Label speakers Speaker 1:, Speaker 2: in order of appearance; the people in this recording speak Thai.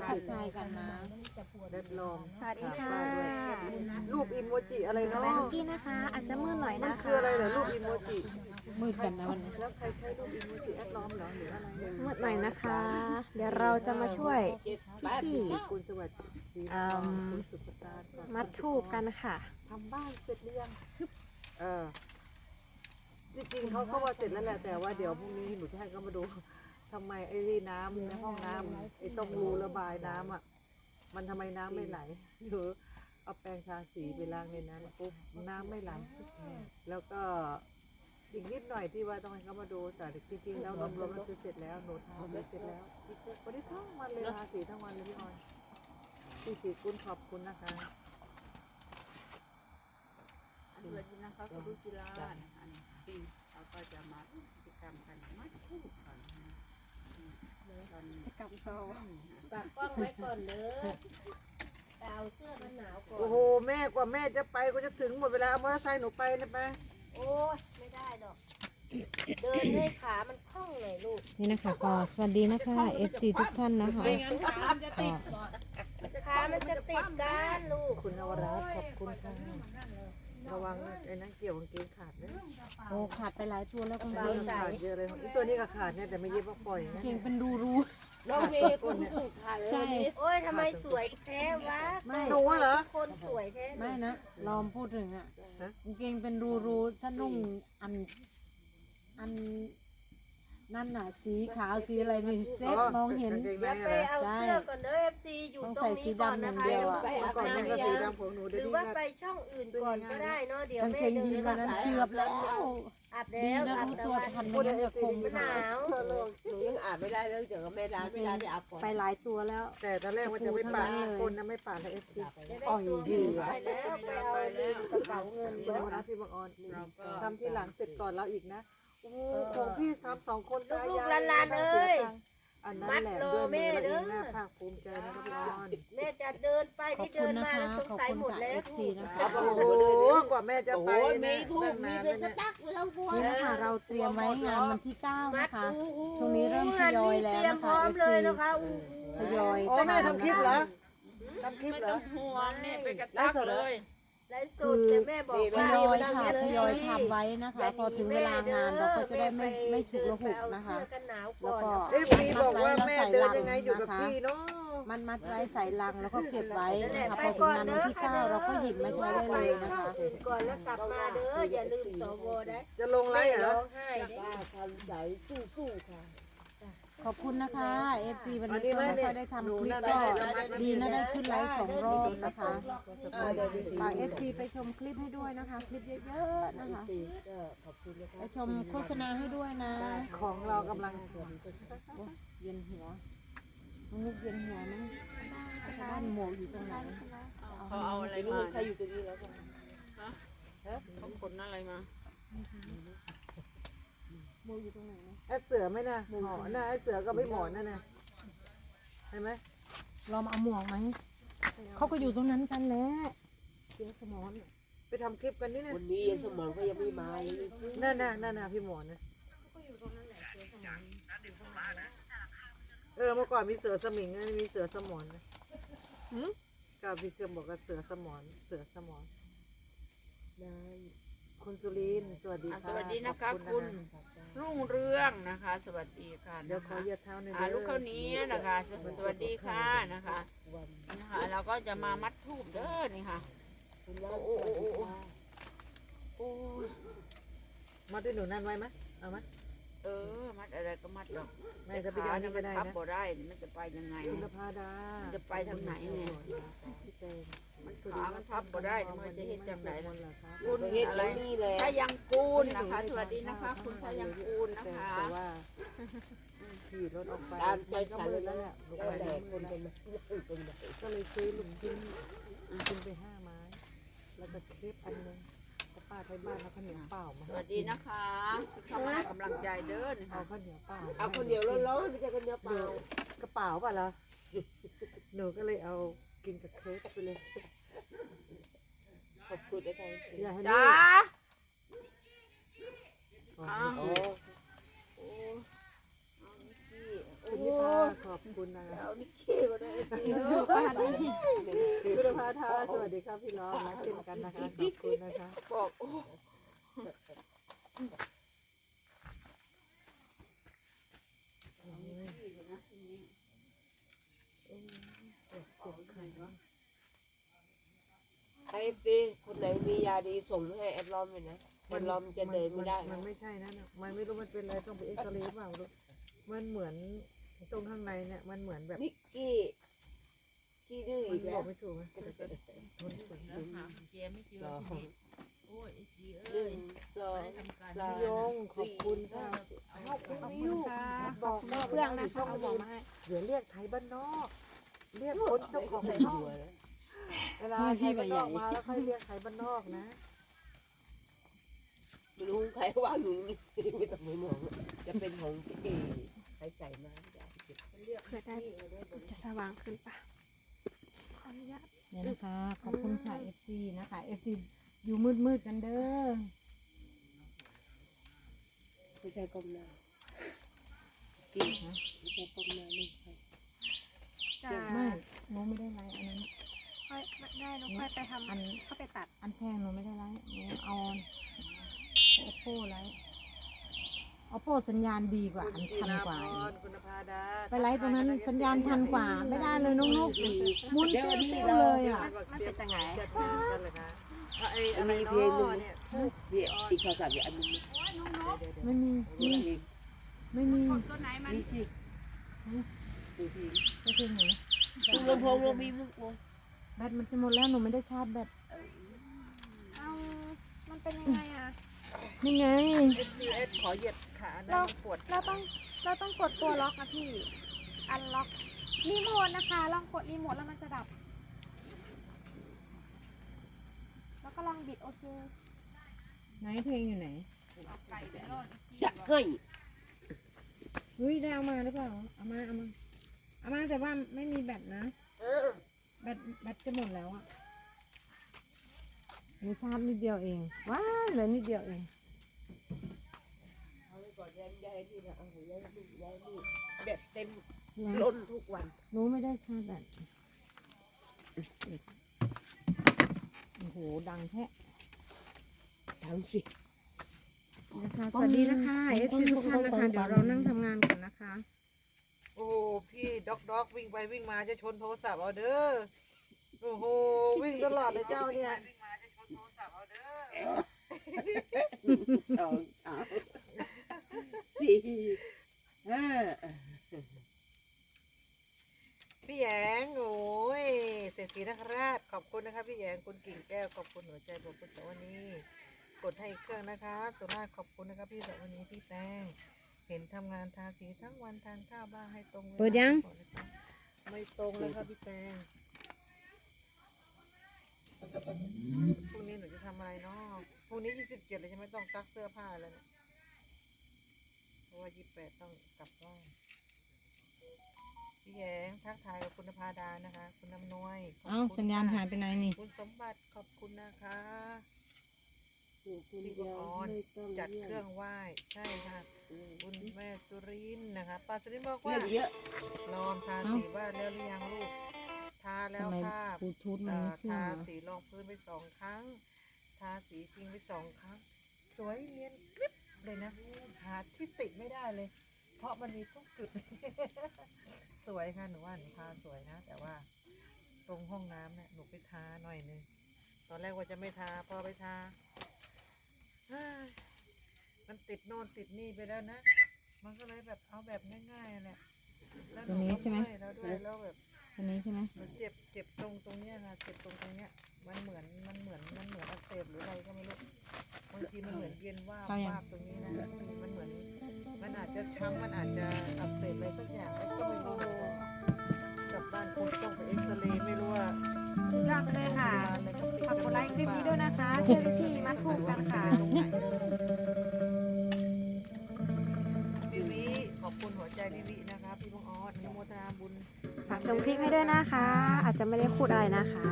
Speaker 1: ทักทายกันนะ
Speaker 2: เด็ดลม
Speaker 3: สวัสดีค่ะ
Speaker 2: รูปอิโมจิอะไร
Speaker 3: แม่
Speaker 2: เนาะ
Speaker 3: นุกกี้นะคะ อาจจะมืดหน่อย
Speaker 2: มัน
Speaker 3: นะคะ
Speaker 2: คืออะไรเหรอรูปอิโมจิ
Speaker 1: มืดกันนะวันนี้
Speaker 2: แล้วใครใช้รูปอิโมจิแอดล้อมเหรอหรืออะไรเนี่ย
Speaker 3: มืดหน่อยนะคะ เดี๋ยวเราจะมาช่วยพี่
Speaker 2: คุณสวัสดี
Speaker 3: อืม
Speaker 2: คุณสุภการ
Speaker 3: ๆมัดทูบกันค่ะ
Speaker 2: ทำบ้านเสร็จหรือยังจริงๆเขาก็ว่าเสร็จแล้วแหละแต่ว่าเดี๋ยวพรุ่งนี้หนูจะให้เขามาดูทำไมไอ้น้ำในห้องน้ำไอ้ตรงรูระบายน้ำอ่ะมันทำไมน้ำไม่ไหลหรือเอาแปรงทาสีไปล้างในนั้นปุ๊บน้ำไม่ไหลแล้วก็อีกนิดหน่อยที่ว่าต้องให้เขามาดูแต่จริงๆแล้วรวมๆแล้วคือเสร็จแล้วหนูทำเสร็จแล้ววันนี้ทั้งวันเลยทาสีทั้งวันเลยพี่ออยพี่สีคุณขอบคุณนะคะ
Speaker 4: อันเดือนนี้นะคะคุณลุจิราอันปีเราก็จะมากิจกรรมกันมัดคู่กันตอน
Speaker 3: จะกลับโซ
Speaker 5: ฝากกล้องไว้ก่อนเด้อแต่เอาเสื้อกันหนาวก่อน
Speaker 2: โอ้โหแม่กว่าแม่จะไปก็จะถึงหมดเวลาเอามอเตอร์ไซค์หนูไปนะไป
Speaker 5: โอ้ยไม่ได้ดอก เดินให้ขามันคล่องหน่อยลูก
Speaker 1: นี่นะคะก็สวัสดีนะคะ FC ทุกท่านนะคะก็
Speaker 5: ขามันจะติดกันลูก
Speaker 2: คุณนวรัตน์ขอบคุณค่ะระวังไอ้นั่นเกี่ยวกางเกงขาดนะ
Speaker 1: โอ้ขาดไปหลายตัวแล้วคุณ
Speaker 2: เก
Speaker 1: เก่ง
Speaker 2: งขาดเยอะเลยอีตัวนี้ก็ขาดเนี่ยแต่ไม่เย็บว่าปล่อยนะ
Speaker 1: เก่งเป็นรูรู
Speaker 5: น้องเมย์คุณถูกขาเลย
Speaker 1: ใช่
Speaker 5: โอ้ยทำไมสวยแท้วะ
Speaker 1: ไม่
Speaker 2: หนูเหรอ
Speaker 5: คนสวยแท้
Speaker 1: ไม่นะลองพูดถึงอ่ะกางเกงเป็นรูรูถ้านุ่งอันนั่นน่ะสีขาวสีอะไรนี่เซ็ตมองเห็น
Speaker 2: กางเกง
Speaker 5: เดี๋ยว
Speaker 2: ใน
Speaker 5: ไป
Speaker 2: อะไร
Speaker 5: เอาเสื้อก่อนเด้อ FC อยู่
Speaker 1: ต้อง
Speaker 5: ตร
Speaker 1: ใส่
Speaker 5: ง
Speaker 1: สี
Speaker 5: นี้ก่อน
Speaker 1: ดำอย่า
Speaker 5: นะ
Speaker 1: ง
Speaker 5: คะ
Speaker 1: เดียว
Speaker 5: เดี๋ยว
Speaker 1: อะ
Speaker 5: ไปอาบ
Speaker 2: ก่อนนั่น
Speaker 5: น้ำ
Speaker 2: ก็สี
Speaker 5: ยัง
Speaker 2: ดำของหนู
Speaker 5: ห
Speaker 2: เดี๋ยว
Speaker 5: รือ
Speaker 2: นี้
Speaker 5: ว่า
Speaker 2: ก็
Speaker 5: ไปช่องอื่นก่อนก็ได้เนาะเดี๋ยว
Speaker 1: กาง
Speaker 5: แม่
Speaker 1: เกง
Speaker 5: เดิ
Speaker 1: ยีน
Speaker 5: น
Speaker 1: วันนั้น
Speaker 5: มา
Speaker 1: เกือบแล้ว
Speaker 5: อาบ
Speaker 1: ดี
Speaker 5: แล้ว
Speaker 1: นะ
Speaker 5: อาบ
Speaker 1: รู้
Speaker 5: แต่
Speaker 1: ตัว
Speaker 5: ว่า
Speaker 1: ทันไม่งั้นจะคง
Speaker 5: มันหนาว
Speaker 6: หนูยังอาบไม่ได้เลยเดี๋ยวก็ไม่ได้ไม่ได้ไปอาบก่อน
Speaker 3: ไปหลายตัวแล้ว
Speaker 2: แต่ตอนแรกว่าจะไม่ปาดคนนะไม่ปาดให้เอฟซี
Speaker 5: จะได้ตัวเงินไปแล้วไปเอาลืมกระเป๋าเงิน
Speaker 2: คุณนวรัตน์พี่บังออนทำที่หลังเสร็จก่อนเราอีกนะโอ้ของพี่3-2 คนตายายอันนั้นแหละด้วยมือเราเองน่าภาคภูมิใจนะครับพี่ออน
Speaker 5: แม่จะเดินไป
Speaker 1: ขอบ
Speaker 5: ที่
Speaker 1: คุ
Speaker 5: เดิ
Speaker 1: ณ
Speaker 5: น
Speaker 1: นะ
Speaker 5: มา
Speaker 1: คะ
Speaker 5: แล้วสง
Speaker 1: ขอบ
Speaker 5: สัย
Speaker 1: คุณ
Speaker 5: หมด
Speaker 1: ค่ะ
Speaker 5: แล้ว
Speaker 1: FC นะคะ
Speaker 2: โอ้โหกว่าแม่จะ
Speaker 6: โอ้
Speaker 2: ไป
Speaker 6: โหมี
Speaker 2: นะ
Speaker 6: ทูบมีเพชรกระตักไม่ต้องกลัว
Speaker 1: นี่นะคะเราเตรียมไว้งานวันที่ 9 นะคะ ช่วงนี้เริ่มทยอยแล้ว
Speaker 5: เตรียม
Speaker 1: นะ
Speaker 5: พร้
Speaker 1: คะ
Speaker 5: อม
Speaker 1: FC
Speaker 5: เลยนะคะอู้
Speaker 1: ทยอย
Speaker 2: โอ้แม่ทำคลิปเหรอทำคลิป
Speaker 4: ไม่
Speaker 2: เหร
Speaker 4: ต้
Speaker 2: อ
Speaker 4: องห่วงเนี่ยไปกระตักเลย
Speaker 5: ไลฟ์สดแต่แม่บอก
Speaker 1: ท
Speaker 5: ว่าย
Speaker 1: อยค่ะทยอยทำไว้นะคะ พอถึงเวลางานเราก็จะได้ไม่ฉุกระหุกนะคะ
Speaker 5: เสื้อกันหนาว
Speaker 1: แล้ว
Speaker 5: ก่อน
Speaker 1: ก็
Speaker 2: เอฟซีบอกว่าแม่เดินยังไงอยู่กับพี่เนาะ
Speaker 1: มันมัดไว้ใส่ลังแล้วก็เก็บไว้นะคะพอถึงงานวันที่ 9 เราก็หยิบมาใช้ได้เลยนะคะ
Speaker 5: อื่นก่อนแล้วกลับมาเด้ออย่าลืมสวได้
Speaker 2: จะลงไลฟ์เหร
Speaker 5: ร้
Speaker 2: อ
Speaker 5: องไห้เด้
Speaker 6: ป้าทำใจสู้ๆค่ะ
Speaker 1: ขอบคุณนะคะ FC วันนี้ก็ไม่ค่อยได้ทำคลิปก็ดีนะได้ขึ้นไลฟ์2 รอบนะคะฝาก FC ไปชมคลิปให้ด้วยนะคะ คลิปเยอะๆนะคะ
Speaker 6: ก็ขอบคุณนะคะ
Speaker 1: ไปชมโฆษณาให้ด้วยนะ
Speaker 2: ของเรากำลัง
Speaker 1: โอ๊ยเย็นหัวมุกเย็นหัวนะบ้านหมวกอยู่ตรงไหน
Speaker 4: เขาเอาอะไร
Speaker 6: ลู
Speaker 4: มาก
Speaker 6: ใครอยู่ตรงนี้แล้วกัน
Speaker 4: เขาขนอะไรมา
Speaker 1: หมวกอยู่ตรงไหนนะ
Speaker 2: ไอ้เสือไหมนะหมอนนะไอ้เสือก็ไม่หมอนนั่นนะเห็นไหม
Speaker 1: ลองเอาหมวกไหมเขาก็อยู่ตรงนั้นกันแหละเสียสมอน
Speaker 2: ไปทำคลิปกันนี่นะ
Speaker 6: วันนี้สมองก็ยังไม่มาเลย
Speaker 2: นั่นพี่หมอนนะเมื่อก่อนมีเสือสมิงมีเสือสมอนนะก็พี่เชื่อมบอกว่าเสือสมอนเสือสมอนคุณสุรินทร์สวัสดีค่ะ
Speaker 4: สวัสดีนะคะคุณรุ่งเรืองนะคะ สวัสดีค่ะ
Speaker 2: เดี๋ยวขอเหยียดเท้าหน่อย
Speaker 4: ลูกเขาวนี้นะคะสวัสดีค่ะนะคะนะคะเราก็จะมามัดทูบเด้อนี่ค่ะ
Speaker 6: คุณว่า
Speaker 4: โอ้โอ้โอ้โอ้โอ้ย
Speaker 2: มัดด้วยหนูนั่นไว้ไหมเอาไหม
Speaker 4: มัดอะไรก็มัดหรอก
Speaker 2: ไม่จะไปเอานี่ก็ได้
Speaker 4: ทับ
Speaker 2: นะ
Speaker 4: บ่ได้มันจะไปยังไง
Speaker 2: คุณภาดา
Speaker 4: จะไปทางไหนเนี่ย
Speaker 2: พี่เจน
Speaker 4: มันขามันทับบ่ได้มันจะเฮ็ดจังไดล่ะ
Speaker 6: คุณเฮ็ดแล้วนี่แหละ
Speaker 4: ถ้ายังกูลนะคะ สวัสดีนะคะ คุณถ้ายังกูลนะคะ
Speaker 2: แต่ว่าขี่รถออกไป
Speaker 6: ตามใจ
Speaker 2: ก็
Speaker 6: ฉัน
Speaker 2: มื
Speaker 6: เล
Speaker 2: ด
Speaker 6: ย
Speaker 2: แล้ว
Speaker 6: นะ
Speaker 2: แหละลูก
Speaker 6: แล้ว
Speaker 2: ไป
Speaker 6: แต่
Speaker 2: มื
Speaker 6: คน
Speaker 2: ด
Speaker 6: เป็
Speaker 2: แล้ว
Speaker 6: น
Speaker 2: ก็เลยซื้อลูกชิ้นกินไป5 ไม้ แล้วก็เครปอันนึงก็ป้าไทยบ้านแล้วข้าวเหนียวเปล่ามา
Speaker 4: สวัสดีนะคะที่เข้ามาให้กำลังใจเด้อนะ
Speaker 2: เอา
Speaker 4: คะ
Speaker 2: ข้าวเหนียวเปล่า
Speaker 6: เอาคนเดียวร้อนๆไม่ใช่คนเดียวเปล่าก
Speaker 2: ระเป๋าป่ะล่ะหนูก็เลยเอากินกับเครปไปเลย
Speaker 6: ขอบคุณนะคะ
Speaker 2: อย่าให้
Speaker 4: จ้า
Speaker 2: ลูก
Speaker 4: อ้าว
Speaker 6: โอ้
Speaker 4: โอ้เอานิกกี้โอ้
Speaker 2: คุณนิพาขอบคุณนะ
Speaker 4: เอานิกกี้มาด้วยสิ
Speaker 2: สวัสดีครับพี่ล้อรักเช่นกันนะคะขอบคุณนะคะ
Speaker 6: บอกโอ้ ไอ้ตีคนไหนมียาดีส่งให้แอดลอมเลยนะแอดลอมจะเดินไม่ได้
Speaker 2: มันไม่ใช่นะมันไม่รู้มันเป็นอะไรต้องไปเอ็กซเรย์เปล่าลูกมันเหมือนตรงข้างในเนี่ยมันเหมือนแบบ
Speaker 6: นิกกี้ขี้ดื้อ
Speaker 2: มั
Speaker 6: อี
Speaker 2: น
Speaker 6: ก
Speaker 2: บ
Speaker 6: แล้
Speaker 2: อ
Speaker 6: ว
Speaker 2: กไม่ถูกนะแต่ก็ทนฝืน
Speaker 4: แล้วหากุญแจไม่เจอทีนี้โอ้ยไอ้จี
Speaker 6: ห
Speaker 4: เอ้
Speaker 6: นึ่
Speaker 4: ย
Speaker 6: งสอง
Speaker 4: ทำการ
Speaker 6: สาม
Speaker 2: ยงขอบคุณค่ะ
Speaker 4: เอาคุณ
Speaker 3: ขอบคุณค่ะขอบคุณเฟื่องนะคะเอาบอกมาให้
Speaker 2: เดี๋ยวเรียกไทยบ้านนอกเรียกคนเจ้าของ
Speaker 6: ใส่
Speaker 2: ช่อง
Speaker 6: หัวแล้ว
Speaker 2: เวลาไทยบ้านนอกมาแล้วค่อยเรียกไทยบ้านนอกนะ
Speaker 6: ไม่รู้ใครว่าหนูนี่ไม่ต้องไปมองจะเป็นของพี่เอใครใส่มาไม่ได้เก็บ
Speaker 3: เพื่อได้จะสว่างขึ้นปะขออนุญาต
Speaker 1: เนี่ยนะคะขอบคุณค่ะ FC นะคะ FC อยู่มืดๆกันเด้อ
Speaker 6: ไม่ใช่ก้มหน้ากินนะไม่ใช่ก้มหน้าไม่ใช่
Speaker 3: จะ
Speaker 1: ไม่หนูไม่ได้ไลฟ์อันนั้น
Speaker 3: ค่อยได้หนูค่อยไปทำเข้าไปตัด
Speaker 1: อันแพงหนูไม่ได้ไลฟ์หนูเอาโอโป้ไลฟ์โอโป้สัญญาณดีกว่า อันทันกว่าอีก
Speaker 2: คุณภาดา
Speaker 1: ไปไลฟ์ตรงนั้นสัญญาณทันกว่า ไม่ได้เลยน้องนุ๊กหมุน
Speaker 6: เดี๋ยว
Speaker 1: เตี้
Speaker 6: นี้
Speaker 1: ยว
Speaker 6: เรา
Speaker 1: ๆเลยอ่ะ
Speaker 3: มันเป็นยังไง
Speaker 2: จะถึงกันเลยนะไอ้อะไร
Speaker 6: มี
Speaker 2: เนา
Speaker 6: เพลงหนึ่ง
Speaker 2: ะเนี่ย
Speaker 6: เนี่ยอีกโทรศัพท์อีกอันนึง
Speaker 1: ไม่มี
Speaker 6: มีเพลง
Speaker 1: ไม่มี
Speaker 4: ตัวไหนมัน
Speaker 6: มีสิมีเพลง
Speaker 1: ไปเพลงไหน
Speaker 6: ตุ้งลำโพงเรามีมุกวง
Speaker 1: แบตมันจะหมดแล้วหนูไม่ได้ชาร์จแบต
Speaker 3: เอามันเป็นยังไงอ่ะ
Speaker 1: นี่ไง
Speaker 2: FCS ขอเหยียดขานะ
Speaker 3: เรา
Speaker 2: มันปวด
Speaker 3: เราต้องกดตัวล็อกนะพี่ อันล็อกรีโมทนะคะ ลองกดรีโมทแล้วมันจะดับ แล้วก็ลองบิดโอเค
Speaker 1: ไหนเพลงอยู่ไหน
Speaker 4: เอาไก่ไปรอด
Speaker 6: จะให้
Speaker 1: เฮ้ยได้เอามาหรือเปล่าเอามาแต่ว่าไม่มีแบตนะแบตจะหมดแล้วอ่ะหนูชาร์จนิดเดียวเองว้ายเหลือนิดเดียวเอง
Speaker 6: เอาไว้ก่อนย้ายที่นะเอาย้ายลูกย้ายลูกแบบเต็ม
Speaker 1: นะ
Speaker 6: ล้นทุกวัน
Speaker 1: หนูไม่ได้ชาร์จแบตโอ้โหดังแท้
Speaker 6: ทั้งสิ
Speaker 1: นะคะสวัสดีนะคะเอฟซีทุกท่านนะคะเดี๋ยวเรานั่งทำงานกันนะคะ
Speaker 2: โอ้พี่ด็อกวิ่งไปวิ่งมาจะชนโทรศัพท์เอาเด้อโอ้โหวิ่งตลอดเลยเจ้าเนี่ย
Speaker 6: สองสามสี่ห้า
Speaker 2: พี่แยงโอ้ยเศรษฐีนคราชขอบคุณนะคะพี่แยงคุณกิ่งแก้วขอบคุณหัวใจขอบคุณสวนีกดให้อีกเครื่องนะคะสุราษฎร์ขอบคุณนะคะพี่สวนีพี่แป้งเห็นทำงานทาสีทั้งวันทานข้าวบ้างให้ตรงเวลา
Speaker 1: เปิดยัง
Speaker 2: ก่อนนะคะไม่ตรงเลยค่ะพี่แป้งพรุ่งนี้หนูจะทำอะไรเนาะพรุ่งนี้27เลยใช่ไหมต้องซักเสื้อผ้าแล้วเนี่ยเพราะว่า28ต้องกลับบ้านพี่แยงทักทายกับคุณภาดานะคะ คุณน้ำนวยขบ
Speaker 1: เอ้า
Speaker 2: คุณ
Speaker 1: สัญญาณ
Speaker 2: ค่ะ
Speaker 1: หายไปไหนนี่
Speaker 2: คุณสมบัติขอบคุณนะคะ
Speaker 6: คุณ
Speaker 2: พี่
Speaker 6: ยา
Speaker 2: ออน
Speaker 6: ไม่ต้อง
Speaker 2: จัด
Speaker 6: เยี่ย
Speaker 2: เครื่อง
Speaker 6: ม
Speaker 2: ไหว้ใช่ค่ะคุณแม่สุรินทร์นะคะป้าสุรินทร์บอก
Speaker 6: เรื่
Speaker 2: ว่า
Speaker 6: องเยอะ
Speaker 2: ลองทาสีบ้านแล้วหรือยังลูกทาแล้ว
Speaker 1: ทำไม
Speaker 2: ค่ะ
Speaker 1: บลูทูธมันไม่เชื่อ
Speaker 2: ทา
Speaker 1: เหรอ
Speaker 2: สีรองพื้นไป2 ครั้ง ทาสีจริงไป2 ครั้ง สวยเนียนกริบเลยนะหาที่ติไม่ได้เลย เพราะมันมีทุกจุด สวยค่ะหนูว่าหนูทาสวยนะ แต่ว่าตรงห้องน้ำเนี่ยหนูไปทาหน่อยนึงตอนแรกว่าจะไม่ทาพอไปทาเฮ้ยมันติดโน่นติดนี่ไปแล้วนะ มันก็เลยแบบเอาแบบง่ายๆแหละแล้ว
Speaker 1: ตรงนี้ใช่ไหม
Speaker 2: เอยแล้วด้วยแล้วแบบ
Speaker 1: ตัวนี้ใช่ไหม
Speaker 2: มันเจ็บตรงเนี้ยค่ะเจ็บตรงเนี้ยมันเหมือนอักเสบหรืออะไรก็ไม่รู้บางทีมันเหมือนเย็นว่าบวาบตรงนี้นะมันเหมือนมันอาจจะช้ำมันอาจจะอักเสบอะไรสักอย่างแล้วก็ไม่รู้เหมือนกันกลับบ้านคงต้องไปเอ็กซเรย์ไม่รู้ว่า
Speaker 3: สุดยอดไปเลยค่ะ
Speaker 2: โรงพยาบาลอะไรเขาปิด
Speaker 3: ฝากกดไลค์คลิปนี้ด้วยนะคะ
Speaker 2: ห
Speaker 3: เชื่อวิธีมัดผูกกันค่ะ
Speaker 2: ตรงไหนพี่วิขอบคุณหัวใจพี่วินะคะพี่บังออดอนุโมทนาบุญ
Speaker 3: ฝากชมคลิปให้ด้วยนะคะ อาจจะไม่ได้พูดอะไรนะคะ